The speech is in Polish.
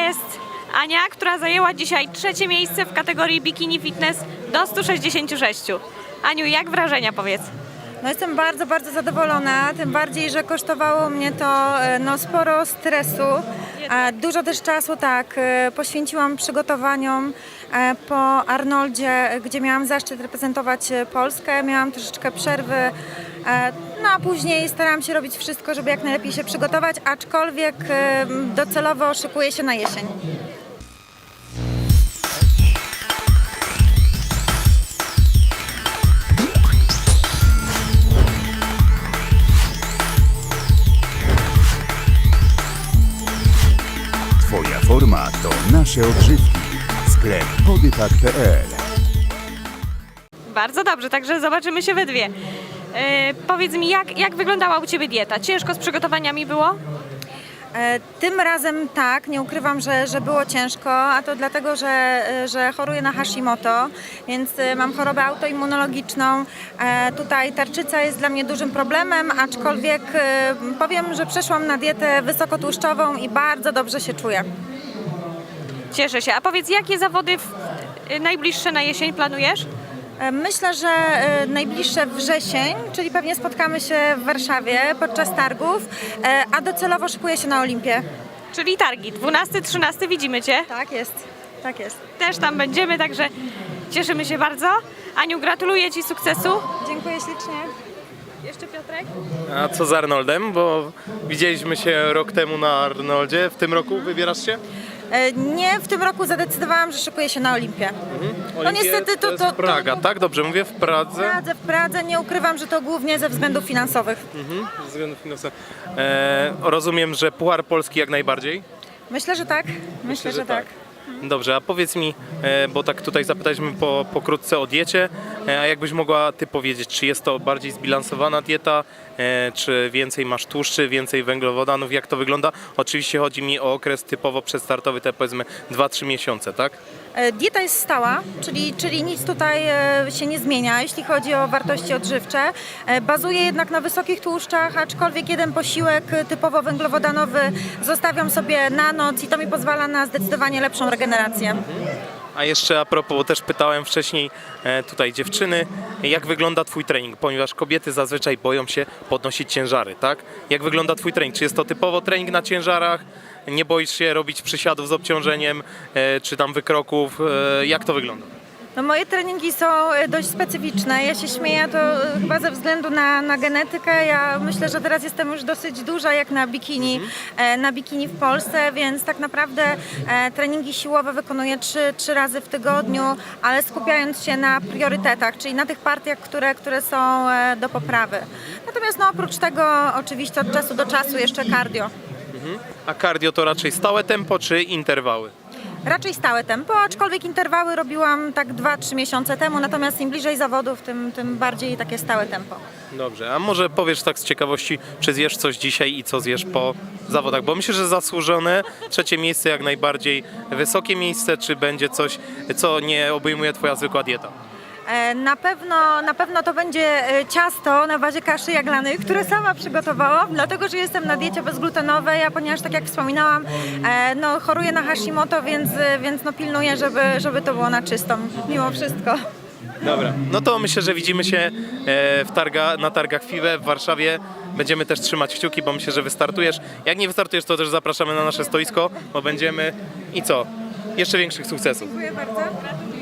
jest Ania, która zajęła dzisiaj 3. miejsce w kategorii Bikini Fitness do 166. Aniu, jak wrażenia, powiedz? No jestem bardzo, bardzo zadowolona, tym bardziej, że kosztowało mnie to sporo stresu. Dużo też czasu poświęciłam przygotowaniom po Arnoldzie, gdzie miałam zaszczyt reprezentować Polskę. Miałam troszeczkę przerwy, no a później starałam się robić wszystko, żeby jak najlepiej się przygotować, aczkolwiek docelowo szykuję się na jesień. Twoja forma to nasze odżywki. Sklep bodypack.pl. Bardzo dobrze, także zobaczymy się we dwie. Powiedz mi, jak wyglądała u Ciebie dieta? Ciężko z przygotowaniami było? Tym razem tak, nie ukrywam, że było ciężko, a to dlatego, że choruję na Hashimoto, więc mam chorobę autoimmunologiczną. Tutaj tarczyca jest dla mnie dużym problemem, aczkolwiek powiem, że przeszłam na dietę wysokotłuszczową i bardzo dobrze się czuję. Cieszę się. A powiedz, jakie zawody najbliższe na jesień planujesz? Myślę, że najbliższe wrzesień, czyli pewnie spotkamy się w Warszawie podczas targów, a docelowo szykuję się na Olimpię. Czyli targi, 12-13, widzimy Cię. Tak jest, tak jest. Też tam będziemy, także cieszymy się bardzo. Aniu, gratuluję Ci sukcesu. Dziękuję ślicznie. Jeszcze Piotrek? A co z Arnoldem? Bo widzieliśmy się rok temu na Arnoldzie. W tym roku wybierasz się? Nie, w tym roku zadecydowałam, że szykuję się na Olimpię. Olimpie, niestety to jest Praga, tak? Dobrze mówię? W Pradze? W Pradze nie ukrywam, że to głównie ze względów finansowych. Ze względów finansowych. Rozumiem, że Puchar Polski jak najbardziej? Myślę, że tak. Myślę, że tak. Dobrze, a powiedz mi, bo tak tutaj zapytaliśmy pokrótce o diecie, a jakbyś mogła Ty powiedzieć, czy jest to bardziej zbilansowana dieta, czy więcej masz tłuszczy, więcej węglowodanów, jak to wygląda? Oczywiście chodzi mi o okres typowo przedstartowy, te powiedzmy 2-3 miesiące, tak? Dieta jest stała, czyli nic tutaj się nie zmienia, jeśli chodzi o wartości odżywcze. Bazuje jednak na wysokich tłuszczach, aczkolwiek jeden posiłek typowo węglowodanowy zostawiam sobie na noc i to mi pozwala na zdecydowanie lepszą regenerację. A jeszcze a propos, bo też pytałem wcześniej tutaj dziewczyny, jak wygląda Twój trening, ponieważ kobiety zazwyczaj boją się podnosić ciężary, tak? Jak wygląda Twój trening? Czy jest to typowo trening na ciężarach? Nie boisz się robić przysiadów z obciążeniem, czy tam wykroków? Jak to wygląda? No, moje treningi są dość specyficzne. Ja się śmieję to chyba ze względu na genetykę. Ja myślę, że teraz jestem już dosyć duża jak na bikini w Polsce, więc tak naprawdę treningi siłowe wykonuję 3 razy w tygodniu, ale skupiając się na priorytetach, czyli na tych partiach, które są do poprawy. Natomiast oprócz tego oczywiście od czasu do czasu jeszcze cardio. A cardio to raczej stałe tempo, czy interwały? Raczej stałe tempo, aczkolwiek interwały robiłam tak 2-3 miesiące temu, natomiast im bliżej zawodów, tym bardziej takie stałe tempo. Dobrze, a może powiesz tak z ciekawości, czy zjesz coś dzisiaj i co zjesz po zawodach? Bo myślę, że zasłużone, 3. miejsce jak najbardziej, wysokie miejsce, czy będzie coś, co nie obejmuje Twoja zwykła dieta? Na pewno to będzie ciasto na bazie kaszy jaglanej, które sama przygotowałam, dlatego że jestem na diecie bezglutenowej, a ponieważ tak jak wspominałam, choruję na Hashimoto, więc pilnuję, żeby to było na czysto, mimo wszystko. Dobra, no to myślę, że widzimy się na targach FIWE w Warszawie. Będziemy też trzymać kciuki, bo myślę, że wystartujesz. Jak nie wystartujesz, to też zapraszamy na nasze stoisko, bo będziemy i co? Jeszcze większych sukcesów. Dziękuję bardzo.